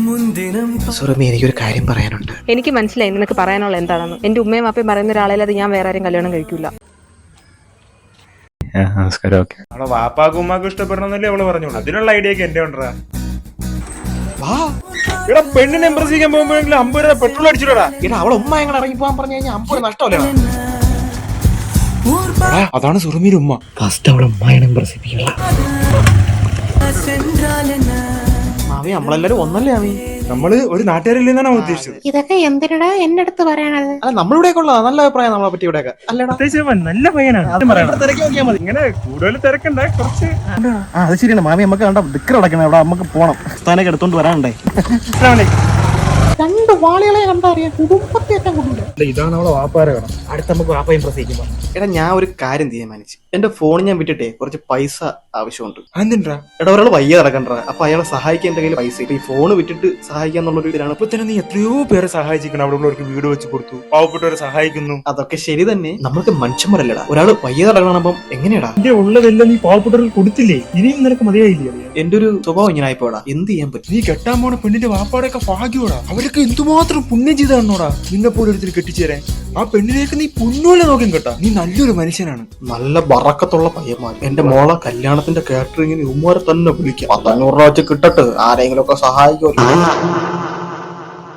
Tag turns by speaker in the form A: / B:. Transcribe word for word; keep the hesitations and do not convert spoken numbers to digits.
A: സുറമി, എനിക്കൊരു കാര്യം പറയാനുണ്ട്.
B: എനിക്ക് മനസ്സിലായി നിനക്ക് പറയാനുള്ള എന്താണെന്ന്. എന്റെ ഉമ്മയും അപ്പയും പറയുന്ന ഒരാളെ ഞാൻ വേറെ ആരും കല്യാണം കഴിക്കൂല.
C: നമസ്കാരം. ഓക്കെ,
D: അവളെ വാപ്പാക്കും ഉമ്മാക്കും ഇഷ്ടപ്പെടണമെന്നല്ലേ അവള് പറഞ്ഞോളൂ. അതിനുള്ള ഐഡിയ ഒക്കെ എന്റെ ഉണ്ടാ. ഇവിടെ പെണ്ണിനെ ഇംപ്രസ് ചെയ്യാൻ പോകുമ്പോഴെങ്കിലും അമ്പത് രൂപ പെട്രോൾ അടിച്ചിടാ.
A: എടാ, അവളെ ഉമ്മ എങ്ങനെ ഇറങ്ങി പോകാൻ പറഞ്ഞു കഴിഞ്ഞാൽ അമ്പത് നഷ്ടമല്ലേ?
D: അതാണ് സുറുമിയുടെ ഉമ്മ.
A: ഫസ്റ്റ് അവളെ ഉമ്മയാണ് ഇംപ്രസ് ചെയ്യിപ്പിക്കണം. മാമി, നമ്മളെല്ലാരും ഒന്നല്ലേ മാമി?
D: നമ്മള് ഒരു നാട്ടുകാരില്ലെന്നാണ് ഉദ്ദേശിച്ചത്.
B: ഇതൊക്കെ എന്തിനാ എന്റെ അടുത്ത് പറയണത്?
A: അല്ല, നമ്മളിവിടെ ഉള്ള നല്ല അഭിപ്രായം നമ്മളെ പറ്റി ഇവിടെ. അല്ലടാ,
D: നല്ല പയ്യനാണ്.
A: തിരക്കി നോക്കിയാൽ മതി.
D: ഇങ്ങനെ കൂടുതൽ തിരക്കണ്ട, കുറച്ച്.
A: ആ, അത് ശരിയാണ് മാമി. നമുക്ക് കണ്ട ദിക്കർ അടക്കണം. ഇവിടെ നമുക്ക് പോണം. സ്ഥാനൊക്കെ എടുത്തോണ്ട് വരാനുണ്ടേ. രണ്ട് വാളികളെ കണ്ടറിയാം. കുടുംബത്തെ ഏറ്റവും കൂടുതൽ
D: ഇതാണ് അവളെ വാപ്പാരെ കാണാം. അടുത്ത നമുക്ക് വാപ്പ ഇംപ്രസ് ചെയ്യുമ്പോൾ.
A: എടാ, ഞാൻ ഒരു കാര്യം തീരുമാനിച്ചു. എന്റെ ഫോൺ ഞാൻ വിട്ടിട്ടേ കുറച്ച് പൈസ ആവശ്യമുണ്ട്.
D: അതെന്താ?
A: എടാ, ഒരാൾ വയ്യ നടക്കണ്ട. അപ്പൊ അയാളെ സഹായിക്കാൻ എന്റെ കയ്യിൽ പൈസ ഇല്ല. ഈ ഫോൺ വിട്ടിട്ട് സഹായിക്കാന്നുള്ളൊരു ഇതിലാണ്.
D: ഇപ്പൊ തന്നെ നീ എത്രയോ പേരെ സഹായിച്ചിരിക്കണം. അവിടെ ഉള്ളവർക്ക് വീട് വെച്ച് കൊടുത്തു, പാവപ്പെട്ടവരെ സഹായിക്കുന്നു.
A: അതൊക്കെ ശരി തന്നെ. നമ്മൾക്ക് മനുഷ്യന്മാരല്ലടാ. ഒരാൾ വയ്യ നടക്കണപ്പം എങ്ങനെയാടാ?
D: എന്റെ ഉള്ളതെല്ലാം നീ പാവപ്പെട്ടവർക്ക് കൊടുത്തില്ലേ? ഇനിയും നിനക്ക് മതിയായില്ലേ?
A: എന്റെ ഒരു സ്വഭാവം ഇങ്ങനെ ആയിപ്പോടാ. എന്ത് ചെയ്യാൻ പറ്റും?
D: നീ കെട്ടാൻ പോണ പെണ്ണിന്റെ വാപ്പാടൊക്കെ ഭാഗ്യോടാ. അവരൊക്കെ എന്തുമാത്രം പുണ്യം ചെയ്താണോടാ നിന്നെ പോലെ ഒരുത്തിൽ കെട്ടിച്ചേരാൻ. ആ പെണ്ണിലേക്ക് നീ പൊന്നോലെ നോക്കും കേട്ടാ. നീ നല്ലൊരു മനുഷ്യനാണ്.
A: നല്ല ബറക്കത്തുള്ള പയ്യന്മാർ. എന്റെ മോളെ കല്യാണത്തിന്റെ കാറ്ററിംഗിന് ഉമ്മാരെ തന്നെ വിളിക്കാം. പത്തഞ്ഞൂറ് രൂപ വെച്ച് കിട്ടട്ട് ആരെങ്കിലും ഒക്കെ സഹായിക്കുമല്ലോ.